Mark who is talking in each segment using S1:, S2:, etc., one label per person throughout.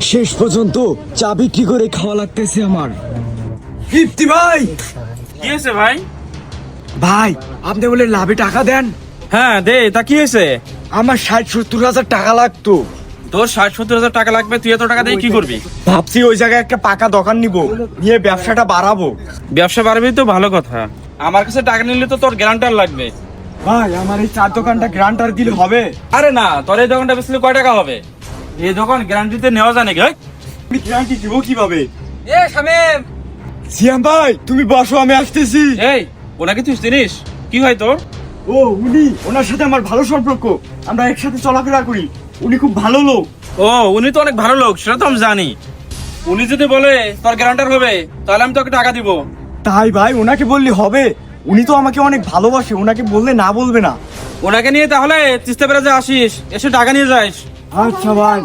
S1: শেষ পর্যন্ত চা বিক্রি করে খাওয়া লাগতেছে আমার। ইফতি ভাই,
S2: কি হয়েছে ভাই?
S1: ভাই আপনি বলে লাভে টাকা দেন।
S2: হ্যাঁ দে, তা কি হয়েছে?
S1: আমার 60-70 হাজার টাকা লাগতো।
S2: তোর 60-70 হাজার টাকা লাগবে, তুই এত টাকা দিয়ে কি করবি?
S1: ভাবছি ওই জায়গায় একটা পাকা দোকান নিব, নিয়ে ব্যবসাটা বাড়াবো।
S2: ব্যবসা বাড়বি তো ভালো কথা, আমার কাছে টাকা নিলে তো তোর গ্যারান্টার লাগবে।
S1: ভাই আমার এই চার দোকানটা গ্রান্টার দিলে হবে?
S2: আরে না, তোর এই দোকানটা বেচলে কয় টাকা হবে? এই দোকান গ্যারান্টিতে নেওয়া যায় নাকি?
S1: আমি গ্যারান্টি দিব কিভাবে?
S2: এ শামিম,
S1: সিয়াম ভাই তুমি বসো, আমি আসতেছি।
S2: এই ওনাকে তুই চিনিস? কি হয় তোর?
S1: ও উনি, ওনার সাথে আমার ভালো সম্পর্ক, আমরা একসাথে চলাফেরা করি, উনি খুব ভালো লোক।
S2: ও উনি তো অনেক ভালো লোক, সেটা তো আমি জানি। উনি যদি বলে তোর গ্যারান্টার হবে, তাহলে আমি তোকে টাকা দিব।
S1: তাই ভাই ওনাকে বললে হবে? উনি তো আমাকে অনেক ভালোবাসে, ওনাকে বললে না বলবে না।
S2: ওনাকে নিয়ে তাহলে তিস্তা ব্যারাজে আসিস, এসে টাকা নিয়ে যাস।
S1: আচ্ছা ভাই,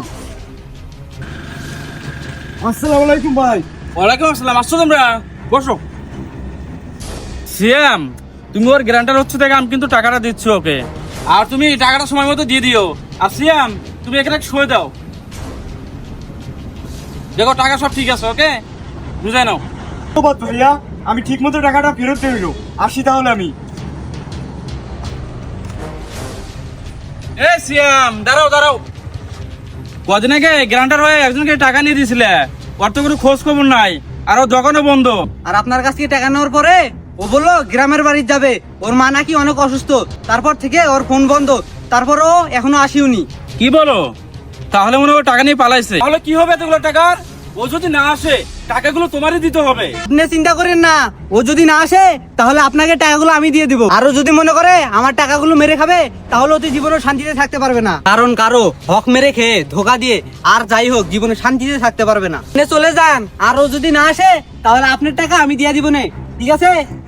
S1: আসসালামু আলাইকুম ভাই।
S2: ওয়ালাইকুম আসসালাম, আসছো তোমরা? বসো। সিয়াম, তুমি ওর গ্যারান্টার হচ্ছে থেকে আমি কিন্তু টাকাটা দিচ্ছি ওকে, আর তুমি টাকাটা সময় মতো দিয়ে দিও। আর সিয়াম, তুমি এখানে শুয়ে দাও। দেখো টাকা সব ঠিক আছে, ওকে? বুঝাই নাও।
S1: ধন্যবাদ ভাইয়া, আমি ঠিক মতো টাকাটা ফেরত দেবো। আসি তাহলে আমি।
S2: এ সিয়াম, দাঁড়াও দাঁড়াও। কদিন আগে গ্যারান্টার হয়ে একজনকে টাকা নিয়ে দিয়েছিলে, ওর তো কোনো খোঁজ খবর নাই, আর ওর দোকানও বন্ধ।
S3: আর আপনার কাছ থেকে টাকা নেওয়ার পরে ও বললো গ্রামের বাড়ি যাবে, ওর মা নাকি অনেক অসুস্থ, তারপর থেকে ওর ফোন বন্ধ, তারপরও এখনো আসিওনি।
S2: কি বলো? তাহলে মনে হয় টাকা নিয়ে পালাইছে। তাহলে কি হবে এতগুলো টাকার? ও যদি না আসে, টাকাগুলো তোমারই দিতে হবে।
S3: আপনি চিন্তা করেন না, ও যদি না আসে তাহলে আপনাকে টাকাগুলো আমি দিয়ে দিব। আরো যদি মনে করে আমার টাকাগুলো মেরে খাবে, তাহলে অতি জীবনে শান্তিতে থাকতে পারবে না, কারণ কারো হক মেরে খেয়ে ধোকা দিয়ে আর যাই হোক জীবনে শান্তিতে থাকতে পারবে না। আপনি চলে যান, আর ও যদি না আসে তাহলে আপনার টাকা আমি দিয়ে দিব না, ঠিক আছে?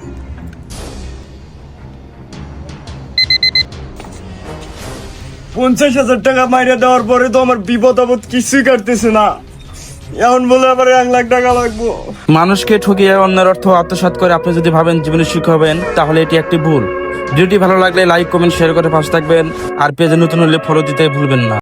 S1: 50,000 টাকা মাইরে দেওয়ার পরে তো আমার বিপদ আপদ কিছুই কাটতেছে না, এখন বলে আবার 1 লাখ টাকা লাগবো।
S2: মানুষকে ঠকিয়ে অন্যের অর্থ আত্মসাৎ করে আপনি যদি ভাবেন জীবনে সুখী হবেন, তাহলে এটি একটি ভুল। ভিডিওটি ভালো লাগলে লাইক কমেন্ট শেয়ার করে পাশে থাকবেন, আর পেজে নতুন হলে ফলো দিতে ভুলবেন না।